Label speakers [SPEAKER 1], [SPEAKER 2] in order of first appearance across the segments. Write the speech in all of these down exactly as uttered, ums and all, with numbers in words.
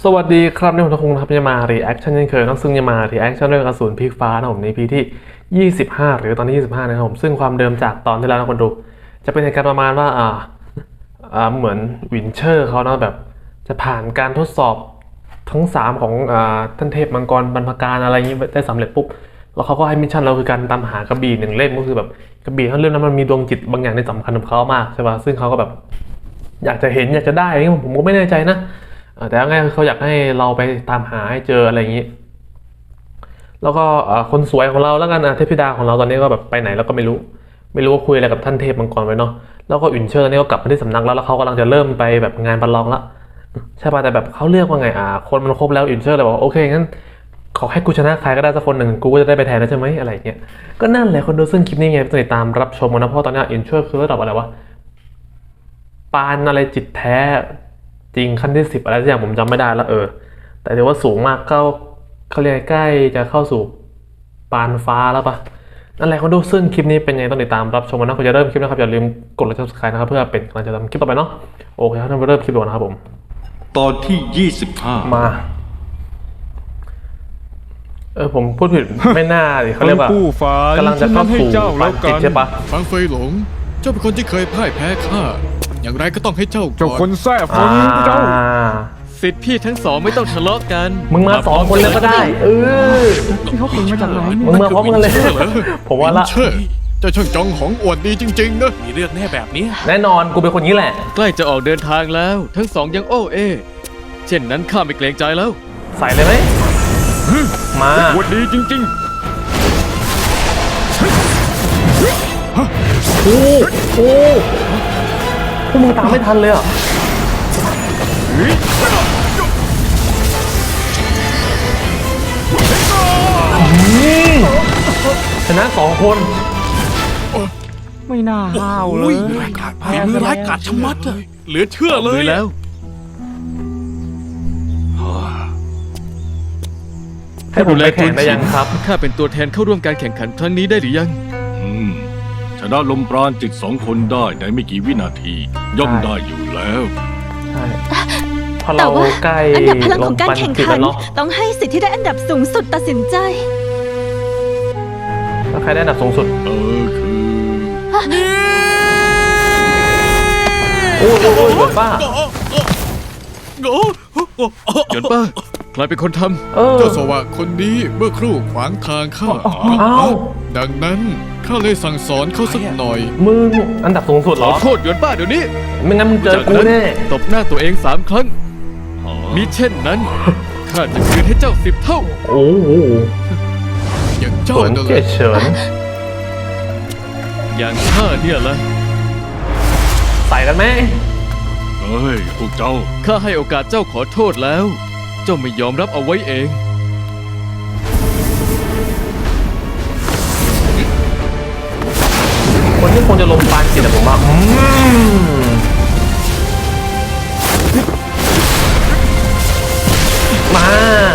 [SPEAKER 1] สวัสดีครับนี่ผมทงครับจะมารีแอคชั่นเช่นเคยนะซึ่งจะมารีแอคชั่นเรื่องอสูรพลิกฟ้านะผมในพีที่ยี่สิบห้าหรือตอนที่ยี่สิบห้านะครับผมซึ่งความเดิมจากตอนที่แล้วนะคนดูจะเป็นเหตุการณ์ประมาณว่าอ่าอ่าเหมือนวินเชอร์เขานะแบบจะผ่านการทดสอบทั้งสามของอ่าท่านเทพมังกรบรรพการอะไรอย่างนี้ได้สำเร็จปุ๊บแล้วเขาก็ให้มิชชั่นเราคือการตามหากระบี่หนึ่งเล่มก็คือแบบกระบี่ทั้งเล่มนั้นมันมีดวงจิตบางอย่างที่สำคัญกับเขามากใช่ป่ะซึ่งเขาก็แบบอยากจะเห็นอยากจะได้อะไรเงี้ยผมก็ไม่แน่ใจนะแต่ง่ายเขาอยากให้เราไปตามหาให้เจออะไรอย่างนี้แล้วก็คนสวยของเราแล้วกันเทพธิดาของเราตอนนี้ก็แบบไปไหนแล้วก็ไม่รู้ไม่รู้ว่าคุยอะไรกับท่านเทพมังกรไว้เนาะแล้วก็อุ่นเชิญตอนนี้ก็กลับมาที่สำนักแล้วแล้วเขากำลังจะเริ่มไปแบบงานประลองละใช่ป่ะแต่แบบเขาเลือกว่าไงอ่าคนมันครบแล้วอุ่นเชิญเลยบอกโอเคงั้นขอให้กูชนะใครก็ได้สักคนหนึ่งกูก็จะได้ไปแทนนะใช่ไหมอะไรเงี้ยก็นั่นแหละคนดูซึ่งคลิปนี้ไงติดตามรับชมกันนะเพราะตอนนี้อุ่นเชิญคือระดับอะไรวะปานอะไรจิตแท้จริงขั้นที่สิบอะไรสักอย่างผมจำไม่ได้แล้วเออแต่ถือว่าสูงมากก็เขาเรียกใกล้จะเข้าสู่ปานฟ้าแล้วปะนั่นแหละคนดูซึ่งคลิปนี้เป็นไงต้องติดตามรับชมนะคุณจะเริ่มคลิปนะครับอย่าลืมกดไลค์ ซับสไครบ์ นะครับเพื่อเป็นกำลังใจทำคลิปต่อไปเนาะโอเคครับเราเริ่มคลิปก่อนนะครับผม
[SPEAKER 2] ตอนที่ยี่สิบห้า
[SPEAKER 1] มาเออผมพูดผิดไม่น่าดิเขาเรียกว่ากำลังจะเข้าสู่ปานจิตใช่ปะ
[SPEAKER 3] ฟังเฟยหลงเจ้าเป็นคนที่เคยพ่ายแพ้ข้าอย่างไรก็ต้องให้เจ้าก่อน
[SPEAKER 4] เจ้าคนแซ่บคนเจ้า
[SPEAKER 5] สิทธิ์พี่ทั้งสองไม่ต้องทะเลาะกัน
[SPEAKER 1] มึงมาสองคนเลยก็ได้เออ
[SPEAKER 4] ที่เขาเป็นมาจากไหน
[SPEAKER 1] มึงมาพร้อมกันเลยผมว่าละ
[SPEAKER 3] เจ้าช่างจองของอวดดีจริงๆนะ
[SPEAKER 5] มีเรื่องแน่แบบนี้
[SPEAKER 1] แน่นอนกูเป็นคนนี้แหละ
[SPEAKER 5] ใกล้จะออกเดินทางแล้วทั้งสองยังโอ้เอเช่นนั้นข้าไม่เกรงใจแล้ว
[SPEAKER 1] ใส่เลยไหมมา
[SPEAKER 4] อวดดีจริงๆ
[SPEAKER 1] โอ้โหพวกมึงตามไม่ทันเลยอ่ะชนะสองคน
[SPEAKER 4] ไม่น่าห้าวเลย
[SPEAKER 3] ฝีมือร้ายกาจชะมัดอะเหลือเชื่อเลย
[SPEAKER 5] แล้ว
[SPEAKER 1] ให้ผมไปแข่งได้ยังครับ
[SPEAKER 5] ข้าเป็นตัวแทนเข้าร่วมการแข่งขันครั้งนี้ได้หรือยัง
[SPEAKER 2] ชนะลมปราณจิตสองคนได้ในไม่กี่วินาทีย่อมได้อยู่แล้ว
[SPEAKER 1] ใช่พอเราใกล้
[SPEAKER 6] อันดับพลังของการแข่งขันต้องให้สิทธิ์ที่ได้อันดับสูงสุดตัดสินใจ
[SPEAKER 1] แล้วใครได้อันดับสูงสุด
[SPEAKER 2] เออคือ
[SPEAKER 1] โอ้ยโอ้ยเกิดป้า
[SPEAKER 5] เกิดป้าใครเป็นคนท
[SPEAKER 3] ำเจ้าสวะคนนี้เมื่อครู่ขวางทางข้าดังนั้นข้าเลยสั่งสอนเขาสักหน่อย
[SPEAKER 1] มึงอันดับสูงสุดเหรอ
[SPEAKER 5] โทษหยวนป้าเดี๋ยวนี้
[SPEAKER 1] ไม่งั้นมึงเจอกูแน่
[SPEAKER 5] ตบหน้าตัวเองสามครั้งมิเช่นนั้นข้าจะคืนให้เจ้าสิบเท่า
[SPEAKER 1] โอ้โห
[SPEAKER 3] อย่างเจ้า
[SPEAKER 1] เฉินเฉิน
[SPEAKER 5] อย่างข้าเนี่ยละ
[SPEAKER 1] ใส่กันไหม
[SPEAKER 2] เฮ้ยพวกเจ้า
[SPEAKER 5] ข้าให้โอกาสเจ้าขอโทษแล้วเจ้าไม่ยอมรับเอาไว้เอง
[SPEAKER 1] คนที่คงจะลงปานจิตแต่ผมว่ามา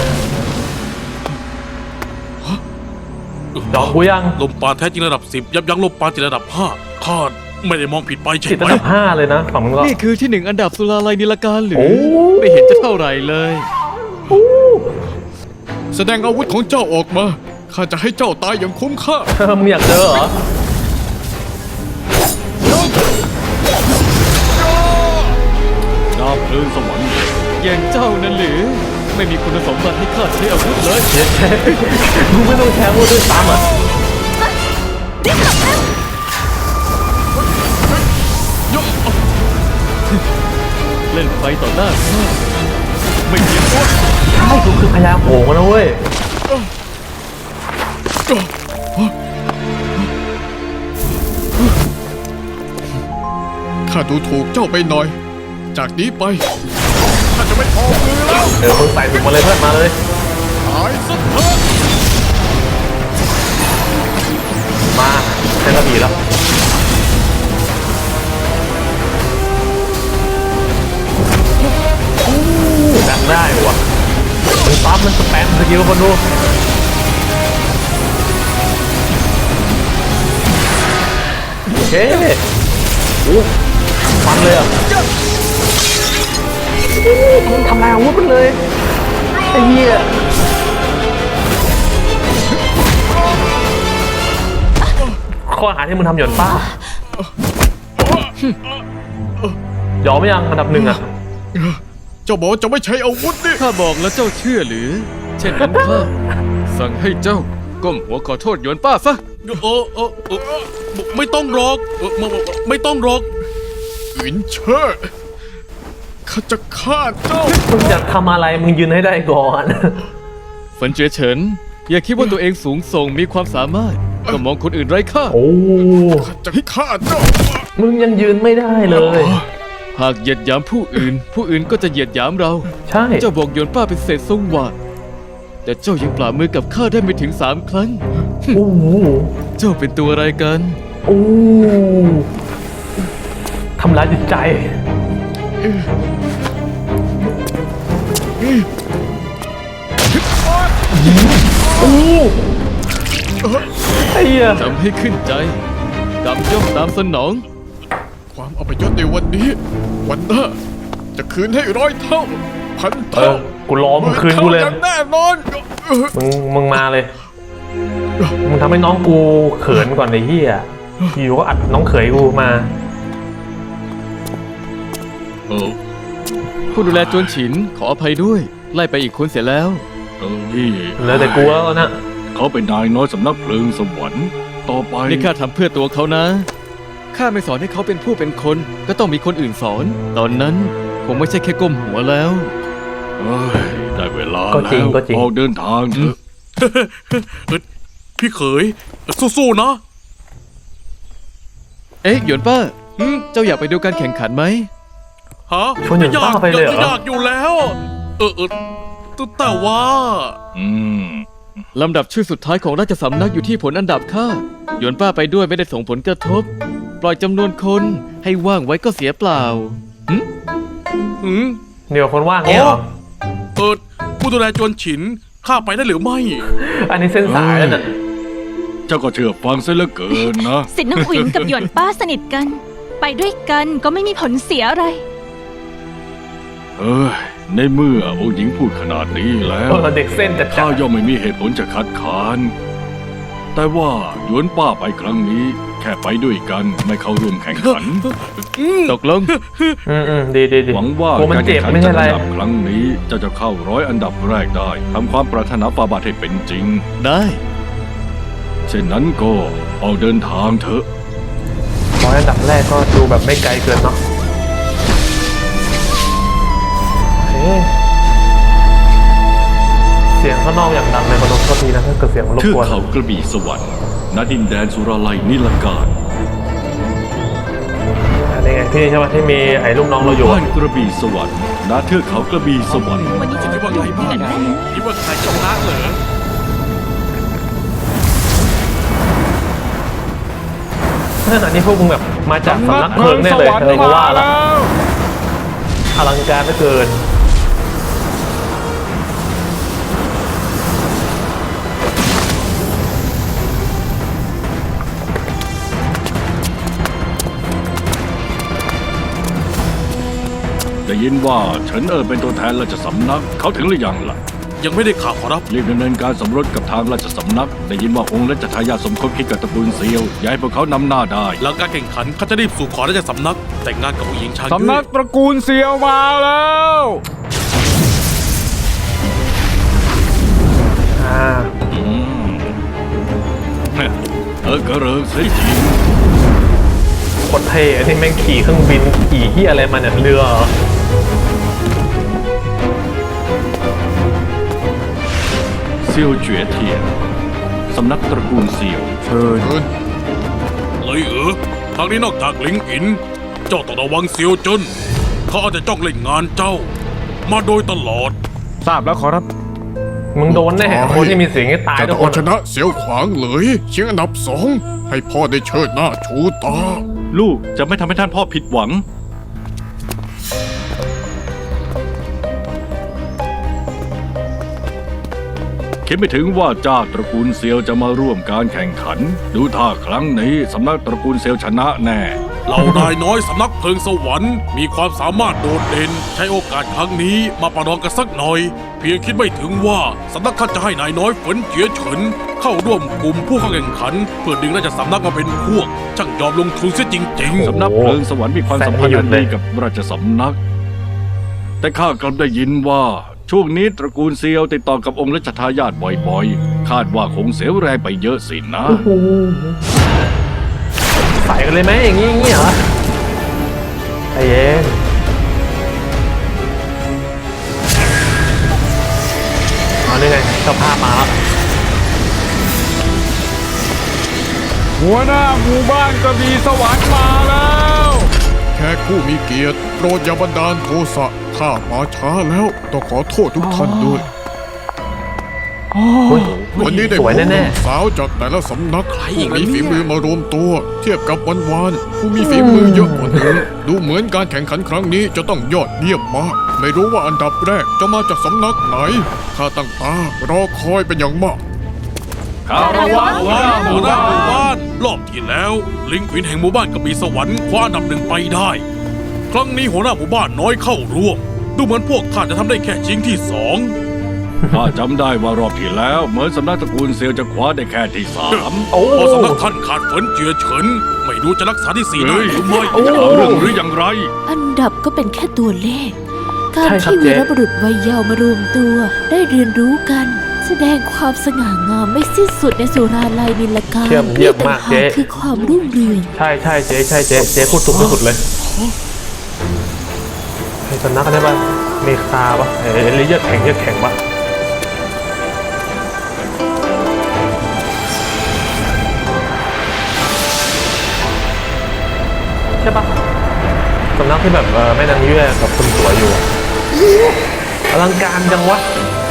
[SPEAKER 1] ดอกกูยัง
[SPEAKER 3] ลมปานแท้จริงระดับสิบยับยั้งลมปานจิตระดับห้าข้าไม่ได้มองผิดไปใช่ไหม
[SPEAKER 1] จิตระดับห้าเลยนะฝั่งมึงก็
[SPEAKER 5] นี่คือที่หนึ่งอันดับสุราลัยนิลการหรือไม่เห็นจะเท่าไหร่เลย
[SPEAKER 3] แสดงอาวุธของเจ้าออกมาข้าจะให้เจ้าตายอย่างคุ้มค่า
[SPEAKER 1] มึงอยากเจอเหรอ
[SPEAKER 2] ดาบเพลิงสวรรค์
[SPEAKER 5] อย่างเจ้านั่นหรือไม่มีคุณสมบัติให้ข้าใช้อาวุธเลย
[SPEAKER 1] มึงไม่ต้องแทงอาวุธด้วยซ้ำอ่ะ
[SPEAKER 5] เล่นไฟต่อหน้าข้าไม่เห็นว่า
[SPEAKER 1] ใช่กูคือพญาโผล่นะเว้ย
[SPEAKER 3] ข้าดูถูกเจ้าไปหน่อยจากนี้ไปข้าจะไม่ออกมือแล้ว
[SPEAKER 1] เดี๋ยวมึงใส่ถุงมาเลยเพื่อนมาเลย
[SPEAKER 3] ตายซะเถอะ
[SPEAKER 1] มาเซนต์บีแล้วดังได้วะมันปั๊บมันสแปมสกิลคนดูโอเคโอ้ฟันเลยอ่ะ โทำลายอาวุธมันเลยไอ้เหี้ยข้อหาที่มึงทำหย่อนป้ายอมไหมยังอันดับหนึ่งอ่ะ
[SPEAKER 3] เจ้าบอกว่าจะไม่ใช้อาวุธนี่
[SPEAKER 5] ข้าบอกแล้วเจ้าเชื่อหรือ เช่นนั้นข้าสั่งให้เจ้าก้มหัวขอโทษหยวนป้าซะ
[SPEAKER 3] เออเออเออไม่ต้องหรอกเออไม่ไม่ต้องหรอกอินเชอร์ข้าจะฆ่าเจ้า
[SPEAKER 1] มึงอยากทำอะไรมึงยืนให้ได้ก่อน
[SPEAKER 5] เฟินเจ๋อเฉินอย่าคิดว่าตัวเองสูงส่งมีความสามารถ ก็มองคนอื่นไร้ค่า
[SPEAKER 1] โอ้
[SPEAKER 3] ข้าจะฆ่าเจ้า
[SPEAKER 1] มึงยังยืนไม่ได้เลย
[SPEAKER 5] หากเหยียดหยามผู้อื่น ผู้อื่นก็จะเหยียดหยามเรา
[SPEAKER 1] ใช่
[SPEAKER 5] เจ้าบอกหยวนป้าเป็นเศษทรงหวาดแต่เจ้ายังปราบมือกับข้าได้ไม่ถึงสามครั้ง
[SPEAKER 1] โอ้โห
[SPEAKER 5] เจ้าเป็นตัวอะไรกัน
[SPEAKER 1] โอ้ทำร้ายจิตใจโอ้ไอ้เหี้ย
[SPEAKER 5] จำให้ขึ้นใจกรรมย่อมตามสนอง
[SPEAKER 3] ความอัปยศในวันนี้ วันหน้าจะคืนให้ร้อยเท่า พัน
[SPEAKER 1] เอ
[SPEAKER 3] เท่า
[SPEAKER 1] อกูรอมึงคืนกูเลย
[SPEAKER 3] หมื่ท่าอย่างแน่นอนเออ
[SPEAKER 1] มึงมึงมาเลย มึงทำให้น้องกูเขินก่อนไอ้เหี้ยอยู่ก็อัดน้องเขยกูมา
[SPEAKER 2] เออ
[SPEAKER 5] ผู้ดูแลจวนฉินขออภัยด้วย ไล่ไปอีกคนเสียแล้ว
[SPEAKER 2] เออนี่
[SPEAKER 1] เหลือแต่กูแล้วนะ
[SPEAKER 2] เขาเป็นนายน้อยสำนักเพลิงสวรรค์ต่อไป
[SPEAKER 5] นี่ข้าทำเพื่อตัวเขานะ ข้าไม่สอนให้เขาเป็นผู้เป็นคน ก็ต้องมีคนอื่นสอน ตอนนั้นคงไม่ใช่แค่ก้มหัวแล้ว
[SPEAKER 2] เอ้ยได้เวลา
[SPEAKER 1] ก็จริง
[SPEAKER 2] แล้ว
[SPEAKER 1] ก็จริง
[SPEAKER 2] ออกเดินทางเถอะ
[SPEAKER 3] พี่เขยสู้ๆนะ
[SPEAKER 5] เอ๊ะหยวนป้า เจ้าอยากไปดูการแข่งขันไหม
[SPEAKER 3] ฮะ
[SPEAKER 1] ชวนหยวนป้าไปเลยเหรอ
[SPEAKER 3] อยากอยู่แล้ว เออเออแต่ว่า
[SPEAKER 2] อืม
[SPEAKER 5] ลำดับชื่อสุดท้ายของราชสำนักอยู่ที่ผลอันดับข้าหยวนป้าไปด้วยไม่ได้ส่งผลกระทบ ปล่อยจำนวนคนให้ว่างไว้ก็เสียเปล่าหึ
[SPEAKER 3] หืม
[SPEAKER 1] เดี๋ยวคนว่างเนี่ยเหรอ
[SPEAKER 3] เออผู้ดูแลจวนฉินข้าไปได้หรือไม่
[SPEAKER 1] อันนี้เส้นสายแล้วน่ะ
[SPEAKER 2] เจ้าก็เชื่อฟังซะเหลือเกินนะ
[SPEAKER 6] สิทธิ์น้องอุ๋ยกับหยวนป้าสนิทกัน ไปด้วยกันก็ไม่มีผลเสียอะไร
[SPEAKER 2] เอ้ยในเมื่อองค์หญิงพูดขนาดนี้แล้ว
[SPEAKER 1] เออเด็กเส้นจัด
[SPEAKER 2] ข้า
[SPEAKER 1] จ้า
[SPEAKER 2] ย่อมไม่มีเหตุผลจะคัดค้าน แต่ว่าหยวนป้าไปครั้งนี้ แค่ไปด้วยกันไม่เข้าร่วมแข่งขัน
[SPEAKER 5] ตกลง
[SPEAKER 1] อืมอืมดีดีดี
[SPEAKER 2] หวังว่า
[SPEAKER 1] โอ้มัน
[SPEAKER 2] การ
[SPEAKER 1] เจ็
[SPEAKER 2] แข่
[SPEAKER 1] บ
[SPEAKER 2] งขัน
[SPEAKER 1] ไม่ใช่
[SPEAKER 2] จัด
[SPEAKER 1] อะไร
[SPEAKER 2] อันดับครั้งนี้เจะจะเข้าร้อยอันดับแรกได้ทำความปรารถนาฟาบาทให้เป็นจริง
[SPEAKER 5] ได้
[SPEAKER 2] เช่นนั้นก็ออกเดินทางเถอะ
[SPEAKER 1] ร้อยอันดับแรกก็ดูแบบไม่ไกลเกินเนาะเฮ้ยเสียงข้างนอกอย่างดังในบรรทุกโทษทีนะถ้าเกิดเสียงมันรบ
[SPEAKER 2] เทือก
[SPEAKER 1] กวน
[SPEAKER 2] เขากระบี่สวรรค์ณดินแดนสุราลัยนิลการ
[SPEAKER 1] อันนี้ไงที่ใช่ไหมที่มีไอ้ลูกน้องเราอยู่
[SPEAKER 2] บ้านกระบี่สวรรค์ณเทือกเขากระบี่สวรรค์
[SPEAKER 6] วันนี้จะ
[SPEAKER 3] คิดว่าไงบ้างคิดว่าใครชนะเหรอ
[SPEAKER 1] อันนี้พวกมึงแบบมาจากสำนักเพลิงแน่เลยเออกูว่าละอลังการเหลือเกิน
[SPEAKER 2] ได้ยินว่าเฉินเอ๋อเป็นตัวแทนราชสำนัก เขาถึงหรือยังล่ะ
[SPEAKER 3] ยังไม่ได้ข่าวขอรับ
[SPEAKER 2] รีบดำเนินการสมรสกับทางราชสำนัก ได้ยินว่าองค์และจัทายาทสมคบคิดกับตระกูลเซียวอย้ายพวกเขานำหน้าได้
[SPEAKER 3] หลังการแข่งขันข้าจะรีบสู่ขอราชสำนัก แต่งงานกับผู้หญิงชาง
[SPEAKER 4] สำนักตระกูลเซียวมาแล้ว
[SPEAKER 1] อ่า
[SPEAKER 2] อืมเออกระเริงเสียจริง
[SPEAKER 1] โคตรเท่อันนี้แม่งขี่เครื่องบินขี่ที่อะไรมาเนี่ยเรือเหรอ
[SPEAKER 2] เซียวเจ๋อเทียนสำนักตระกูลเซียว
[SPEAKER 4] เชิญ
[SPEAKER 3] เลยเออทางนี้นอกจากหลิงอิน เจ้าต้องระวังเซียวเจิ้นเขาอาจจะจ้องเล่นงานเจ้า มาโดยตลอด
[SPEAKER 4] ทราบแล้วขอรับ
[SPEAKER 1] มึงโดนแน่คนที่มีเสียงให้ตาย
[SPEAKER 3] จะ
[SPEAKER 1] ทุก
[SPEAKER 3] เอา
[SPEAKER 1] คน
[SPEAKER 3] ชนะเสียวขวางเลยเชียงอันดับสองให้พ่อได้เชิดหน้าชูตา
[SPEAKER 2] ลูกจะไม่ทำให้ท่านพ่อผิดหวัง คิดไม่ถึงว่าเจ้าตระกูลเซียวจะมาร่วมการแข่งขัน ดูท่าครั้งนี้สำนักตระกูลเซียวชนะแน่
[SPEAKER 3] เหล่านายน้อยสำนักเพลิงสวรรค์มีความสามารถโดดเด่น ชช้โอกาสครั้งนี้มาประลองกันสักหน่อย เพียงคิดไม่ถึงว่าสำนักท่านจะให้นายน้อยฝนเจียเฉินเข้าร่วมกลุ่มผู้เข้าแข่งขัน เพื่อดึงราชสำนักมาเป็นพวก ช่างยอมลงทุนเสียจริง
[SPEAKER 2] สำนักเพลิงสวรรค์มีความสัมพันธ์อันดีกับราชสำนัก แต่ข้ากลับได้ยินว่าช่วงนี้ตระกูลเซียวติดต่อกับองค์รัชทายาทบ่อยๆ คาดว่าคงเสียแรงไปเยอะสินะ
[SPEAKER 1] ใส่กันเลยไหมอย่างงี้อย่างงี้เหรอใจเย็นเอานี่ไงเจ้าภาพมาแล้ว
[SPEAKER 4] หัวหน้าหมู่บ้านกระบี่สวรรค์มาแล้ว
[SPEAKER 7] แขกผู้มีเกียรติโปรดอย่าบันดาลโทสะข้ามาช้าแล้วต้องขอโทษทุกท่านด้วย
[SPEAKER 1] เฮ้ย
[SPEAKER 7] วันนี้ได้
[SPEAKER 1] สวยแน่
[SPEAKER 7] สาวจากแต่ละสำนัก
[SPEAKER 3] ใครอี
[SPEAKER 7] ผู้
[SPEAKER 3] กล่ะ
[SPEAKER 7] มี
[SPEAKER 3] เนี่ย
[SPEAKER 7] ฝีมือมารวมตัว เทียบกับวันวานๆผู้มีฝีมือเยอะกว่านี้ดูเหมือนการแข่งขันครั้งนี้จะต้องยอดเยี่ยมมาก ไม่รู้ว่าอันดับแรกจะมาจากสำนักไหนข้าตั้งตารอคอยเป็นอย่างมาก
[SPEAKER 2] คารวะ
[SPEAKER 3] ๆ
[SPEAKER 2] หัวหน้าห
[SPEAKER 3] หั
[SPEAKER 2] มู่
[SPEAKER 3] วหน้า
[SPEAKER 2] บ้า
[SPEAKER 3] หมู่บ้าน นรอบที่แล้ว ลิงวินแห่งหมู่บ้านกระบี่สวรรค์คว้าอันดับหนึ่งไปได้ ครั้งนี้หัวหน้าหมู่บ้านน้อยเข้าร่วม ดูเหมือนพวกท่านจะทำได้แค่ชิงที่สอง
[SPEAKER 2] ข้าจำได้ว่ารอบที่แล้ว เหมือนสำนักตระกูลเซียวจะคว้าได้แค่ที่สาม
[SPEAKER 1] โอ้
[SPEAKER 3] พอสำนักท่านขาดฝนเจือเฉิน ไม่รู้จะรักษาที่สี่ได้
[SPEAKER 2] เฮ้ย
[SPEAKER 3] หรือไม่
[SPEAKER 2] จะเอาเรื่องหรืออย่างไร
[SPEAKER 8] อันดับก็เป็นแค่ตัวเลข การ
[SPEAKER 1] ใช่ครับ
[SPEAKER 8] ที่
[SPEAKER 1] เจ๊
[SPEAKER 8] วีรบุรุษวัยเยาว์มารวมตัว ได้เรียนรู้กัน แสดงความสง่างามไม่สิ้นสุดในสุราลัยนิลการ
[SPEAKER 1] เยี่ยมเยี่ยมมาก
[SPEAKER 8] นี่ต่งห
[SPEAKER 1] เจ๊
[SPEAKER 8] คือความรุ่งเรือง
[SPEAKER 1] ใช่ใช่เจ๊ใช่เจ๊เจ๊พูดถูกที่สุดเลยไอ้สำนักอะไรบ้างเมคาปะเอ้ยเลือดแข็งเลือดแข็งปะใช่ปะสำนักที่แบบเออแม่นางเยื่อกับคนสวยอยู่อะอลังการจังวะ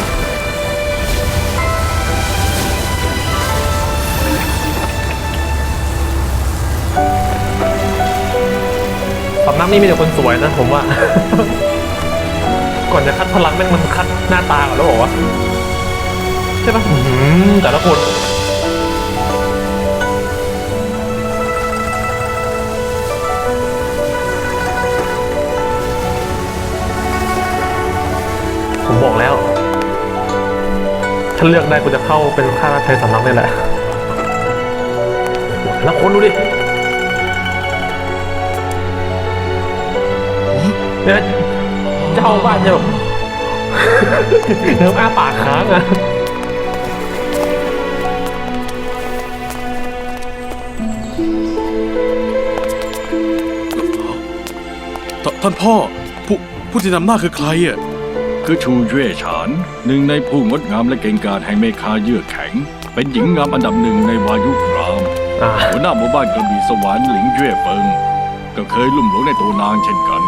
[SPEAKER 1] สำนักนี้มีแต่คนสวยนะผมว่า ก่อนจะคัดพลังแม่งมันคัดหน้าตาก่อนแล้วบอกว่าใช่ปะอื้อหือแต่ละคนผมบอกแล้วฉันเลือกได้กูจะเข้าเป็นข้าราชการสำนักนี่แหละโอ้โหแต่ละคนดูดิเนี่ยเจ้าบ้านจะแบบ เริ่มอ้าปากค้างอ่ะ
[SPEAKER 3] ทท่านพ่อ ผู้ผู้ที่นำหน้าคือใครอ่ะ
[SPEAKER 2] คือชูเย่ฉานหนึ่งในผู้งดงามและเก่งกาจแห่งเมคาเยื่อแข็ง เป็นหญิงงามอันดับหนึ่งในวายุคราม
[SPEAKER 1] อ่า
[SPEAKER 2] หัวหน้าหมู่บ้านกระบี่สวรรค์หลิงเย่เฟิง ก็เคยลุ่มหลงในตัวนางเช่นกัน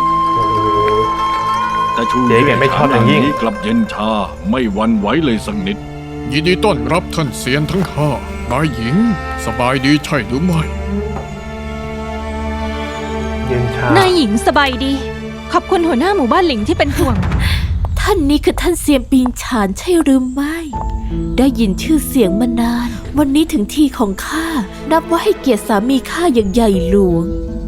[SPEAKER 2] แต่ชู
[SPEAKER 1] เจ๊
[SPEAKER 2] เย่
[SPEAKER 1] แกไม่ชอบอย่างยิ่ง
[SPEAKER 2] นี้กลับเย็นชาไม่หวันไหวเลยสักนิด
[SPEAKER 7] ยินดีต้อนรับท่านเซียนทั้งห้านายหญิง สบายดีใช่หรือไม่
[SPEAKER 1] เย็นชาน
[SPEAKER 6] ายหญิงสบายดี ขอบคุณหัวหน้าหมู่บ้านหลิงที่เป็นห่วง
[SPEAKER 8] ท่านนี้คือท่านเซียนปิงฉานใช่หรือไม่ ได้ยินชื่อเสียงมานาน วันนี้ถึงที่ของข้า นับว่าให้เกียรติสามีข้าอย่างใหญ่หลวง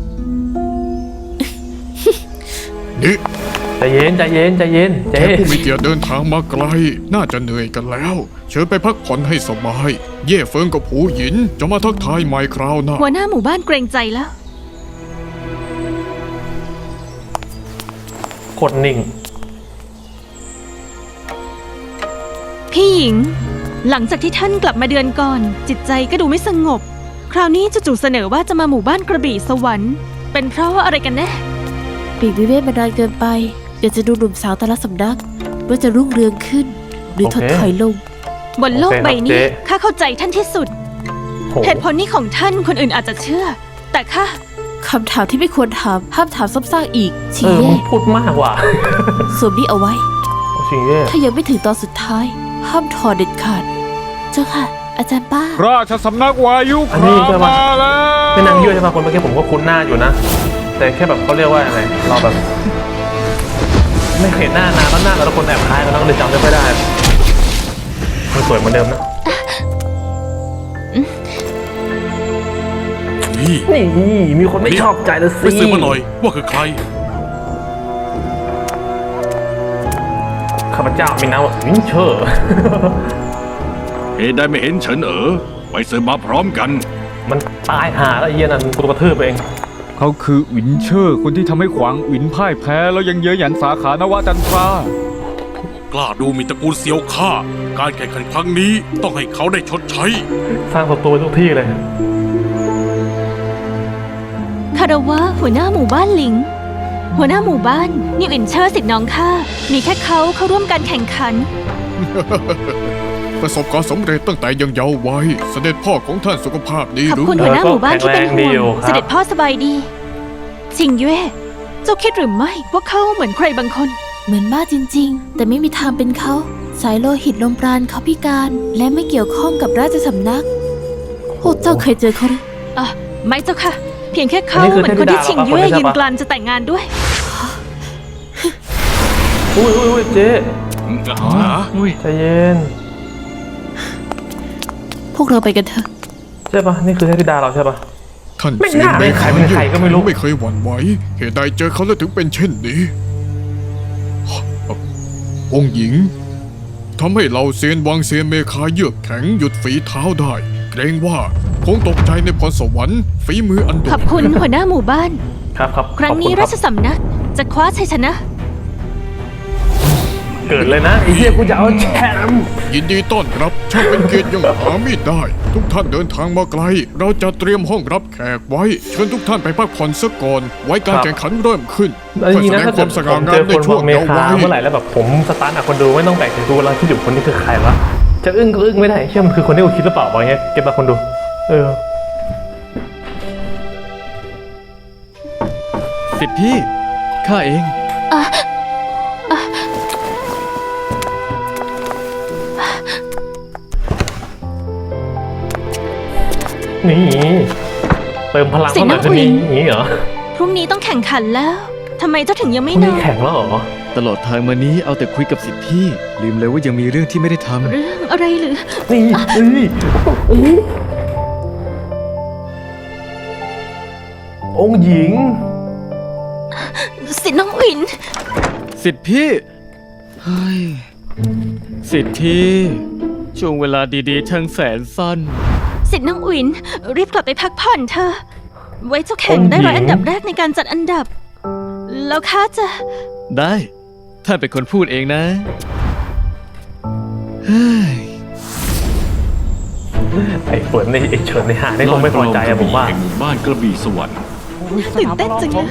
[SPEAKER 7] นี่
[SPEAKER 1] ใจเย็นใจเย็นใจเย็น
[SPEAKER 7] แข
[SPEAKER 1] เจ๊
[SPEAKER 7] กผู้มีเกียรติเดินทางมาไกล น่าจะเหนื่อยกันแล้ว เชิญไปพักผ่อนให้สบาย เย่เฟิงกับผูหยินจะมาทักทายใหม่คราวหน้า
[SPEAKER 6] หัวหน้าหมู่บ้านเกรงใจแล้ว
[SPEAKER 1] โคตรนิ่ง
[SPEAKER 6] พี่หญิง หลังจากที่ท่านกลับมาเดือนก่อน จิตใจก็ดูไม่สงบ คราวนี้จู่ๆเสนอว่าจะมาหมู่บ้านกระบี่สวรรค์ เป็นเพราะว่าอะไรกันแน่
[SPEAKER 8] ปีกวิเวกมานานเกินไป อยากจะดูหนุ่มสาวแต่ละสำนัก ว่าจะรุ่งเรืองขึ้น หรือถด
[SPEAKER 1] โอเค
[SPEAKER 8] ถอยลง
[SPEAKER 6] บนโลก
[SPEAKER 1] โอเคครับ
[SPEAKER 6] ใบนี้
[SPEAKER 1] เจ๊
[SPEAKER 6] ข้าเข้าใจท่านที่สุด
[SPEAKER 1] โห
[SPEAKER 6] เหตุผลนี้ของท่านคนอื่นอาจจะเชื่อ แต่ข้า
[SPEAKER 8] คำถามที่ไม่ควรถาม ห้ามถามซ้ำซากอีก
[SPEAKER 1] เอ
[SPEAKER 8] ชี้
[SPEAKER 1] อ
[SPEAKER 8] แย่
[SPEAKER 1] มึงพูดมากว่ะ
[SPEAKER 8] สวมนี้เอาไว้
[SPEAKER 1] โอ้ชิงเย่
[SPEAKER 8] ถ้ายังไม่ถึงตอนสุดท้าย ห้ามถอดเด็ดขาด เจ้าค่ะ อาจารย์ป้า
[SPEAKER 4] ราชสำนักวายุค
[SPEAKER 1] อันนี้
[SPEAKER 4] ราม
[SPEAKER 1] ใช่ปะ
[SPEAKER 4] มาแล้ว
[SPEAKER 1] แม่นางเยื่อใช่ปะคนเมื่อกี้ผมก็คุ้นหน้าอยู่นะ แต่แค่แบบเขาเรียกว่าอะไรเราแบบ ไม่เห็นหน้านานแล้วหน้าแต่ละคนแอบคล้ายกันแล้วก็เลยจำไม่ค่อยได้มันสวยเหมือนเดิมนะ
[SPEAKER 3] นี่
[SPEAKER 1] นี่มีคนไม่ชอบใจแล้วสิ
[SPEAKER 3] ไปสืบมาหน่อยว่าคือใคร
[SPEAKER 1] ข้าพเจ้ามีนามว่าวินเชอร์
[SPEAKER 2] เหตุใดไม่เห็นเฉินเอ๋อไปเสริมมาพร้อมกัน
[SPEAKER 1] มันตายหาแล้วไอ้เหี้ยนั่นกูกระทืบเอง
[SPEAKER 4] เขาคือหวินเชอร์คนที่ทำให้ขวางหวินพ่ายแพ้แล้วยังเย้ยหยันสาขานวจันทราก
[SPEAKER 3] ล้าดูหมีตระกูลเซียวข้าการแข่งขันครั้งนี้ต้องให้เขาได้ชดใช้
[SPEAKER 1] สร้างศัตรูไว้ทุกที่เลย
[SPEAKER 6] คาราวะหัวหน้าหมู่บ้านหลิง หัวหน้าหมู่บ้านนิวอินเชอร์สิทธิ์น้องข้ามีแค่เขาเข้าร่วมการแข่งขัน
[SPEAKER 7] ประสบความสำเร็จตั้งแต่ยังเยาว์วัยเสด็จพ่อของท่านสุขภาพดี
[SPEAKER 6] ขอบ
[SPEAKER 7] หรือ
[SPEAKER 6] คุณ
[SPEAKER 7] ไม่
[SPEAKER 6] หัวหน้าหมู่บ้านที่เป็นห่ว
[SPEAKER 1] แข็งแรงดีอยู่
[SPEAKER 6] ง
[SPEAKER 1] ครับ
[SPEAKER 6] เสด็จพ่อสบายดี ชิงเย่เจ้าคิดหรือไม่ว่าเขาเหมือนใครบางคน
[SPEAKER 8] เหมือนมากจริงๆ แต่ไม่มีทางเป็นเขา สายโลหิตลมปราณเขาพิการ และไม่เกี่ยวข้องกับราชสำนัก พวกเจ้าเคยเจอเขาหรือ
[SPEAKER 6] อ่ะไม่เจ้าค่ะ เพียงแค่เขา
[SPEAKER 1] อันนี้คือ
[SPEAKER 6] เหมือนคนที่
[SPEAKER 1] เทพธิดา
[SPEAKER 6] ชิง
[SPEAKER 1] เหรอ
[SPEAKER 6] เย่
[SPEAKER 1] ครับ
[SPEAKER 6] ยืนกลานจะแต่งงานด้วย
[SPEAKER 1] อุ้ยอุ้ยอุ้ยเจ๊
[SPEAKER 2] ฮะอุ้ย
[SPEAKER 1] ใจเย็น
[SPEAKER 8] พวกเราไปกันเถอะ
[SPEAKER 1] ใช่ปะนี่คือเทพธิดาเราใช่ปะ
[SPEAKER 7] ท่าน
[SPEAKER 1] ไม่
[SPEAKER 7] เสีย
[SPEAKER 1] น่าเลยใครเป็นใครก็ไม่รู้
[SPEAKER 7] ไม่เคยหวั่นไหวเหตุใดเจอเขาแล้วถึงเป็นเช่นนี้ องค์หญิงทำให้เราเซียนวังเซียนเมคาเยือกแข็งหยุดฝีเท้าได้ เกรงว่าคงตกใจในพรสวรรค์ฝีมืออันโด
[SPEAKER 6] ข
[SPEAKER 7] ด
[SPEAKER 6] อบคุณหัวหน้าหมู่บ้าน
[SPEAKER 1] ครับครับ
[SPEAKER 6] ครั้งนี้
[SPEAKER 1] ขอบ
[SPEAKER 6] รา
[SPEAKER 1] ณ
[SPEAKER 6] ชสำนักจะคว้าชัยชนะ
[SPEAKER 1] เกิดเลยนะไอ้เหี้ยกูจะเอาแชมป์
[SPEAKER 7] ยินดีต้อนรับช่างเป็นเกียรติยังหาไม่ได้ ทุกท่านเดินทางมาไกล เราจะเตรียมห้องรับแขกไว้ เชิญทุกท่านไปพักผ่อนสักก่อน ไว้การแข่งขันเริ่มขึ้น
[SPEAKER 1] แล้วจ
[SPEAKER 7] เพื่อ
[SPEAKER 1] ริง
[SPEAKER 7] แส
[SPEAKER 1] ๆนะ
[SPEAKER 7] ดง
[SPEAKER 1] ถ้า
[SPEAKER 7] ค
[SPEAKER 1] เกิ
[SPEAKER 7] วา
[SPEAKER 1] ด
[SPEAKER 7] มส
[SPEAKER 1] ผ
[SPEAKER 7] ง่าม งา
[SPEAKER 1] เจ
[SPEAKER 7] ม
[SPEAKER 1] อ
[SPEAKER 7] ใน
[SPEAKER 1] คน
[SPEAKER 7] ช่วง
[SPEAKER 1] เม
[SPEAKER 7] เยาว์
[SPEAKER 1] คา
[SPEAKER 7] วัย
[SPEAKER 1] เมื่อไหร่แล้วแบบผมสตาร์ทอะคนดูไม่ต้องแปลกใจดูแล้วคิดอยู่คนนี้คือใครวะจะอึ้งก็อึ้งไม่ได้เชื่อมันคือคนที่กูคิดหรือเปล่าวะเงี้ยเก็บมาคนดู เออ
[SPEAKER 5] สิทธิพี่ข้าเอง
[SPEAKER 1] นี่เติมพลัง
[SPEAKER 6] สิ
[SPEAKER 1] เข้าหน่อย
[SPEAKER 6] น้
[SPEAKER 1] จะ
[SPEAKER 6] อง
[SPEAKER 1] มี
[SPEAKER 6] อุ๋ย
[SPEAKER 1] อย่างนี้เหรอ
[SPEAKER 6] พรุ่งนี้ต้องแข่งขันแล้วทำไมเจ้าถึงยัง
[SPEAKER 1] พ
[SPEAKER 6] ไม่
[SPEAKER 1] รุ่ง
[SPEAKER 6] น
[SPEAKER 1] นี้
[SPEAKER 6] อน
[SPEAKER 1] แข่งแล้วเหรอ
[SPEAKER 5] ตลอดทางมานี้เอาแต่คุยกับสิทธิพี่ลืมเลยว่ายังมีเรื่องที่ไม่ได้ทำ
[SPEAKER 6] เรื่องอะไรหรือ
[SPEAKER 1] นี่นี่โอ้โหองค์หญิง
[SPEAKER 6] สิน้องอิน
[SPEAKER 5] สิทธิพี่เฮ้ยสิทธิช่วงเวลาดีๆช่างแสนสั้น
[SPEAKER 6] สิน้องอินรีบกลับไปพักผ่อนเถอะไว้เจ้าแข่งได้ร้อยอันดับแรกในการจัดอันดับ แล้วข้าจะ
[SPEAKER 5] ได้ท่านเป็นคนพูดเองนะเฮ้ย
[SPEAKER 1] ไอ้เฟิร์นในไอ้เฉินในหาได้คงไม่พอใจอะผมว่า
[SPEAKER 2] แห่งหมู่บ้านกระบี่สวรรค์
[SPEAKER 6] ตื่นเต้นจังเลย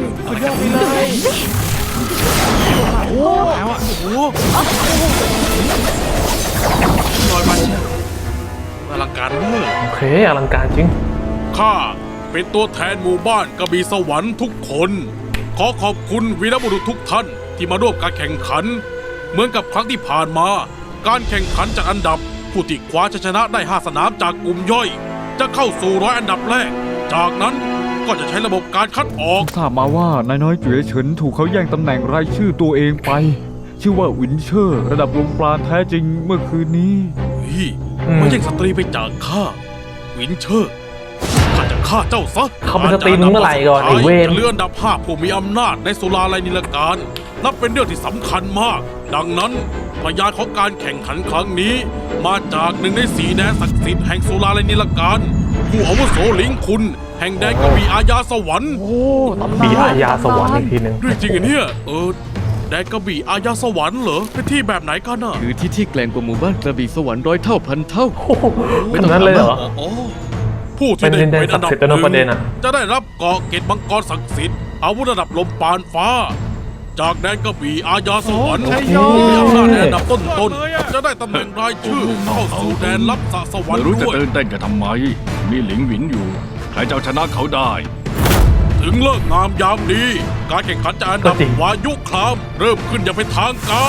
[SPEAKER 3] ลอยมาเชียวอลังการเวอร์
[SPEAKER 1] โอเคอลังการจริง
[SPEAKER 3] ข้าเป็นตัวแทนหมู่บ้านกระบี่สวรรค์ทุกคน ขอขอบคุณวีรบุรุษทุกท่านที่มาร่วมการแข่งขัน เหมือนกับครั้งที่ผ่านมา การแข่งขันจากอันดับผู้ที่คว้าชัยชนะได้ห้าสนามจากกลุ่มย่อย จะเข้าสู่ร้อยอันดับแรก จากนั้นก็จะใช้ระบบการคัดออก
[SPEAKER 4] ทราบมาว่านายน้อยเจ๋ยเฉินถูกเขาแย่งตำแหน่งรายชื่อตัวเองไป ชื่อว่าหวินเชอร์ ระดับลมปราณแท้จริงเมื่อคืนนี้
[SPEAKER 3] เฮ้ย
[SPEAKER 1] อืม
[SPEAKER 3] มันแย่งสตรีไปจากข้าวินเชอร์ข้าจะฆ่าเจ้าซะ
[SPEAKER 1] เขาเป็นสตรีมึงเมื่อไหร่ก่อนไอ้เวร
[SPEAKER 3] จะเลื่อนอันดับห้าผู้มีอำนาจในสุราลัยนิลการ นับเป็นเรื่องที่สำคัญมาก ดังนั้นพยานของการแข่งขันครั้งนี้ มาจากหนึ่งในสีแดนศักดิ์สิทธิ์แห่งสุราลัยนิลการ ผู้อาวุโสหลิงคุณ แห่งแดนกระบี่อาญาสวรรค์
[SPEAKER 1] ปีอาญาสวรรค์อีกทีหนึ่ง
[SPEAKER 3] เรื่องจริงเหรอเนี่ยเออแดนกระบี่อาญาสวรรค์เหรอเป็นที่แบบไหนกันน่ะ
[SPEAKER 5] คือที่ที่แกล่งกว่าหมู่บ้านกระบี่สวรรค์ร้อยเท่าพันเท่า
[SPEAKER 1] โอ้โหขนาดนั้นเลยเหรอ
[SPEAKER 3] อ๋อผู้ที่ได้
[SPEAKER 1] เป็นดินแดน
[SPEAKER 3] เป็นอันดับ
[SPEAKER 1] ศักดิ์สิทธิ์
[SPEAKER 3] ห
[SPEAKER 1] นะประเด็นอะ
[SPEAKER 3] จะได้รับเกาะเกตมังกรศักดิ์สิทธิ์อาวุธระดับลมปานฟ้า จากแดนกระบี่อาญาสวรรค์ผู้มีอำนาจในอันดับต้นๆจะได้ตำแหน่งรายชื่อเข้าสู่แดนลับสะสวรร
[SPEAKER 2] ไม่
[SPEAKER 3] ค์
[SPEAKER 2] รู้จะ
[SPEAKER 3] ด้วย
[SPEAKER 2] ตื่นเต้นกันทำไม มีหลิงหวินอยู่ ใครจะเอาชนะเขาได้
[SPEAKER 3] ถึงเลิกงามยามดี การแข่งขันจากอันดับ
[SPEAKER 1] ก็จริง
[SPEAKER 3] วายุคราม เริ่มขึ้นอย่างเป็นทางการ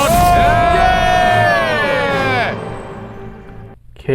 [SPEAKER 1] โอเค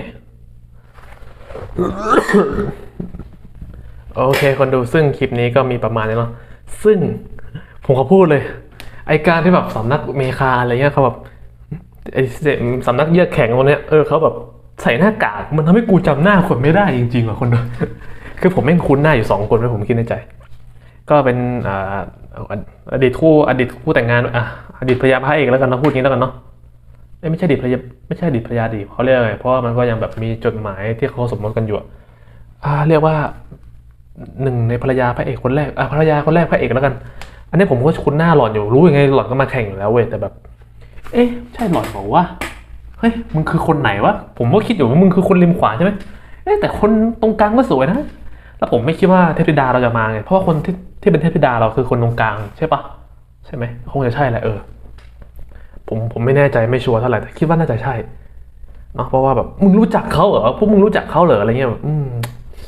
[SPEAKER 1] โอเคคนดูซึ่งคลิปนี้ก็มีประมาณนี้เนาะซึ่งผมขอพูดเลย ไอการที่แบบสำนักเมคาอะไรเงี้ยเขาแบบไอสำนักเยือกแข็งคนเนี้ยเออเขาแบบใส่หน้ากากมันทำให้กูจำหน้าคนไม่ได้จริงๆว่ะคนดู คือผมแม่งคุ้นหน้าอยู่สองคนไว้ผมคิดในใจ ก็เป็นอ่าเอาออดีตคู่อดีตคู่แต่งงานอ่ะอดีตภรรยาพระเอกแล้วกันเนาะพูดอย่างนี้แล้วกันเนาะเอ้ยไม่ใช่อดีตภรรยาไม่ใช่อดีตภรรยาดีเขาเรียกอะไรเพราะว่ามันก็ยังแบบมีจดหมายที่เขาสมรสกันอยู่อะอ่าเรียกว่าหนึ่งในภรรยาพระเอกคนแรกอ่ะภรรยาคนแรกพระเอกแล้วกัน อันนี้ผมก็คุ้นหน้าหล่อนอยู่รู้ยังไงหล่อนก็มาแข่งอยู่แล้วเว้ยแต่แบบ เอ๊ะใช่หล่อนบอกว่าเฮ้ยมึงคือคนไหนวะผมก็คิดอยู่ว่ามึงคือคนริมขวาใช่ไหมเอ๊ะแต่คนตรงกลางก็สวยนะแล้วผมไม่คิดว่าเทพธิดาเราจะมาไงเพราะว่าคนที่ที่เป็นเทพธิดาเราคือคนตรงกลางใช่ปะใช่ไหมคงจะใช่แหละเออผมผมไม่แน่ใจไม่ชัวร์เท่าไหร่แต่คิดว่าน่าจะใช่เนาะเพราะว่าแบบมึงรู้จักเขาเหรอพวกมึงรู้จักเขาเหรออะไรเงี้ยแบบอืม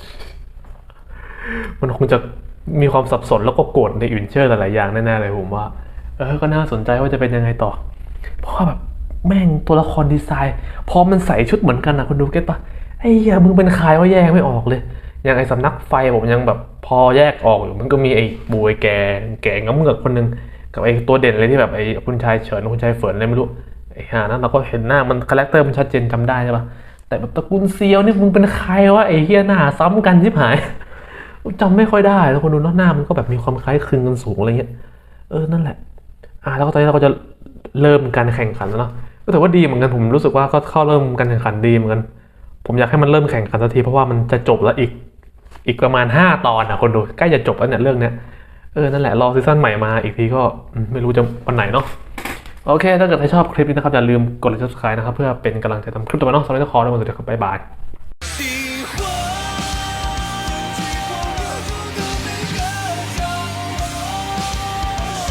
[SPEAKER 1] มันคงจะมีความสับสนแล้วก็โกรธในอื่นเชื่อหลายๆอย่างแน่ๆเลยผมว่าเออก็น่าสนใจว่าจะเป็นยังไงต่อเพราะว่าแบบแม่งตัวละครดีไซน์พอมันใส่ชุดเหมือนกันนะคุณดูเก็ตปะไอ้เหี้ยมึงเป็นใครว่าแยกไม่ออกเลยอย่างไอ้สำนักไฟผมยังแบบพอแยกออกอยู่มันก็มีไอ้บูไอ้แกแกงำเงือกคนนึงกับไอ้ตัวเด่นเลยที่แบบไอ้คุณชายเฉินคุณชายเฟินอะไรไม่รู้ไอ้ห่านั้นเราก็เห็นหน้ามันคาแรคเตอร์มันชัดเจนจำได้ใช่ปะแต่แบบตระกูลเซียวนี่มึงเป็นใครวะไอ้เหี้ยหน้าซ้ำกันชิบหายจำไม่ค่อยได้แล้วคนดูหน้ามันก็แบบมีความคล้ายคลึงกันสูงอะไรเงี้ยเออนั่นแหละอ่าแล้วก็ตอนนี้เราก็จะเริ่มการแข่งขันแล้วเนาะก็ถือว่าดีเหมือนกันผมรู้สึกว่าก็เข้าเริ่มการแข่งขันดีเหมือนกันผมอยากให้มันเริ่มแข่งขันสักทีเพราะว่ามันจะจบแล้วอีกอีกประมาณห้าตอนนะคนดูใกล้จะจบแล้วเนี่ยเรื่องเนี้ยเออนั่นแหละรอซีซั่นใหม่มาอีกทีก็ไม่รู้จะวันไหนเนาะโอเคถ้าเกิดใครชอบคลิปนี้นะครับอย่าลืมกดไลค์ ซับสไครบ์ นะครับเพื่อเป็นกำลังใจทำคลิปต่อไปเนาะสำหรับที่ขอได้หมดเลยครับบ๊ายบาย